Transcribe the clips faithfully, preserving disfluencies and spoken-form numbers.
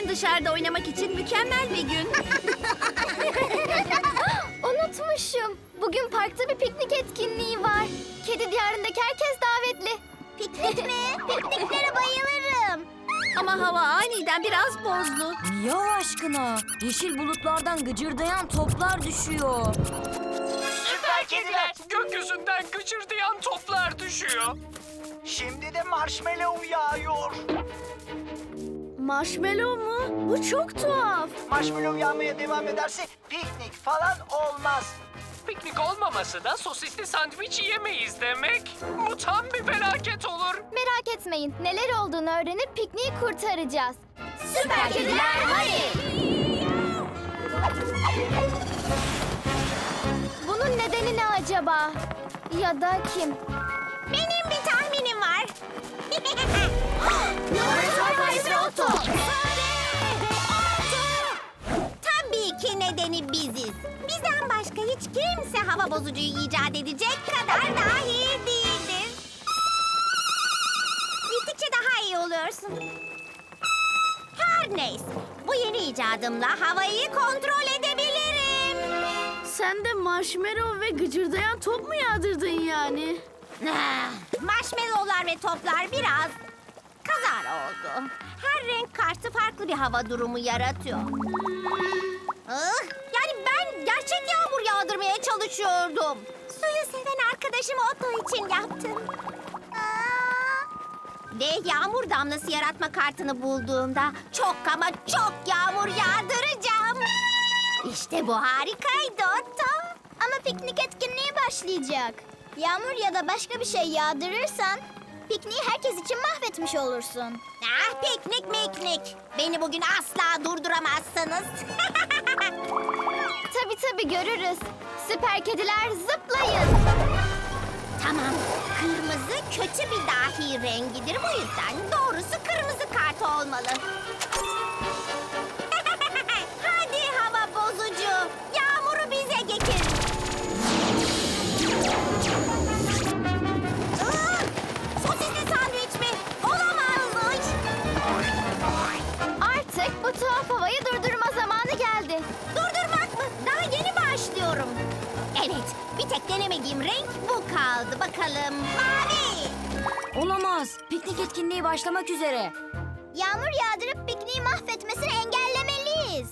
Bugün dışarıda oynamak için mükemmel bir gün. Unutmuşum. Bugün parkta bir piknik etkinliği var. Kedi diyarındaki herkes davetli. Piknik mi? Pikniklere bayılırım. Ama hava aniden biraz bozdu. Niye Allah aşkına? Yeşil bulutlardan gıcırdayan toplar düşüyor. Süper kediler. Gökyüzünden gıcırdayan toplar düşüyor. Şimdi de marshmallow yağıyor. Marshmallow mu? Bu çok tuhaf. Marshmallow yağmaya devam ederse piknik falan olmaz. Piknik olmaması da sosisli sandviç yiyemeyiz demek. Bu tam bir felaket olur. Merak etmeyin. Neler olduğunu öğrenip pikniği kurtaracağız. Süper kediler hadi! Bunun nedeni ne acaba? Ya da kim? Benim bir tahminim var. Laboratuvar faresi Otto! Tabii ki nedeni biziz. Bizden başka hiç kimse hava bozucuyu icat edecek kadar dahi değildir. Gittikçe daha iyi oluyorsun. Her neyse, bu yeni icadımla havayı kontrol edebilirim. Sen de marshmallow ve gıcırdayan top mu yağdırdın yani? Ah, marshmallowlar ve toplar biraz kazara oldu. Her renk kartı farklı bir hava durumu yaratıyor. Ah, yani ben gerçek yağmur yağdırmaya çalışıyordum. Suyu seven arkadaşım Otto için yaptım. Aa! Ve yağmur damlası yaratma kartını bulduğumda çok ama çok yağmur yağdıracağım. İşte bu harikaydı Otto. Ama piknik etkinliği başlayacak. Yağmur ya da başka bir şey yağdırırsan pikniği herkes için mahvetmiş olursun. Ah, piknik miknik. Beni bugün asla durduramazsınız. Tabii tabii görürüz. Süper kediler zıplayın. Tamam. Kırmızı kötü bir dahi rengidir. Bu yüzden doğrusu kırmızı kart olmalı. Hadi hava bozucu. Yağmuru bize getir. Iı, Sosisli sandviç mi? Olamaz. Artık bu tuhaf havayı durdurma zamanı geldi. Durdurmak mı? Daha yeni başlıyorum. Evet, bir tek denemediğim renk bu kaldı. Bakalım. Mavi. Olamaz. Piknik etkinliği başlamak üzere. Yağmur yağdırıp pikniği mahvetmesini engellemeliyiz.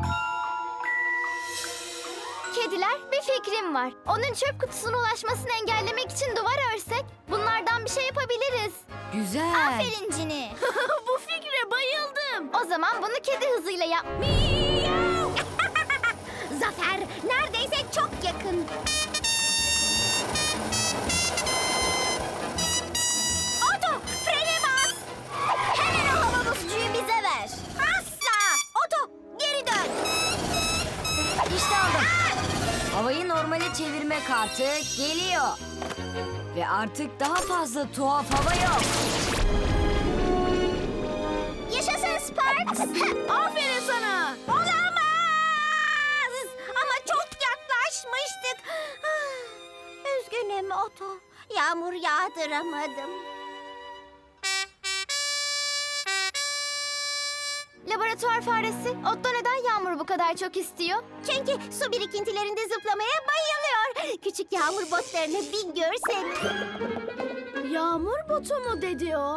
Kediler, bir fikrim var. Onun çöp kutusuna ulaşmasını engellemek için duvar örsek bunlardan bir şey yapabiliriz. Güzel. Aferin Cini. Bu fikre bayıldım. O zaman bunu kedi hızıyla yap. Zafer neredeyse çok yakın. Oto, frene bas. Hemen o hava bozucuyu bize ver. Asla. Oto, geri dön. İşte aldım. Havayı normale çevirme kartı geliyor. Ve artık daha fazla tuhaf hava yok. Yaşasın Sparks. Aferin sana. Olamaz. Ama çok yaklaşmıştık. Ah, üzgünüm Oto. Yağmur yağdıramadım. Laboratuvar faresi, Otto neden yağmuru bu kadar çok istiyor? Çünkü su birikintilerinde zıplamaya bayılıyor. Küçük yağmur botlarını bir görsen. Yağmur botu mu dedi o?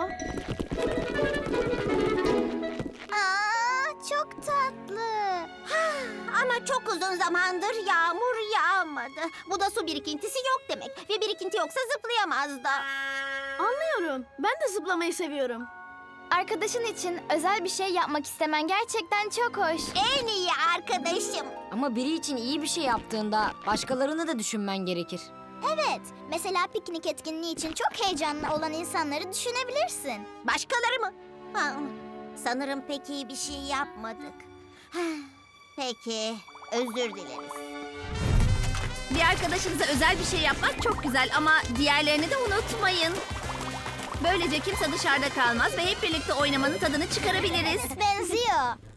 Aa, çok tatlı. Ama çok uzun zamandır yağmur yağmadı. Bu da su birikintisi yok demek. Ve birikinti yoksa zıplayamaz da. Anlıyorum. Ben de zıplamayı seviyorum. Arkadaşın için özel bir şey yapmak istemen gerçekten çok hoş. En iyi arkadaşım. Ama biri için iyi bir şey yaptığında başkalarını da düşünmen gerekir. Evet, mesela piknik etkinliği için çok heyecanlı olan insanları düşünebilirsin. Başkaları mı? Ha, sanırım pek iyi bir şey yapmadık. Peki, özür dileriz. Bir arkadaşınıza özel bir şey yapmak çok güzel ama diğerlerini de unutmayın. Böylece kimse dışarıda kalmaz ve hep birlikte oynamanın tadını çıkarabiliriz. Benziyor.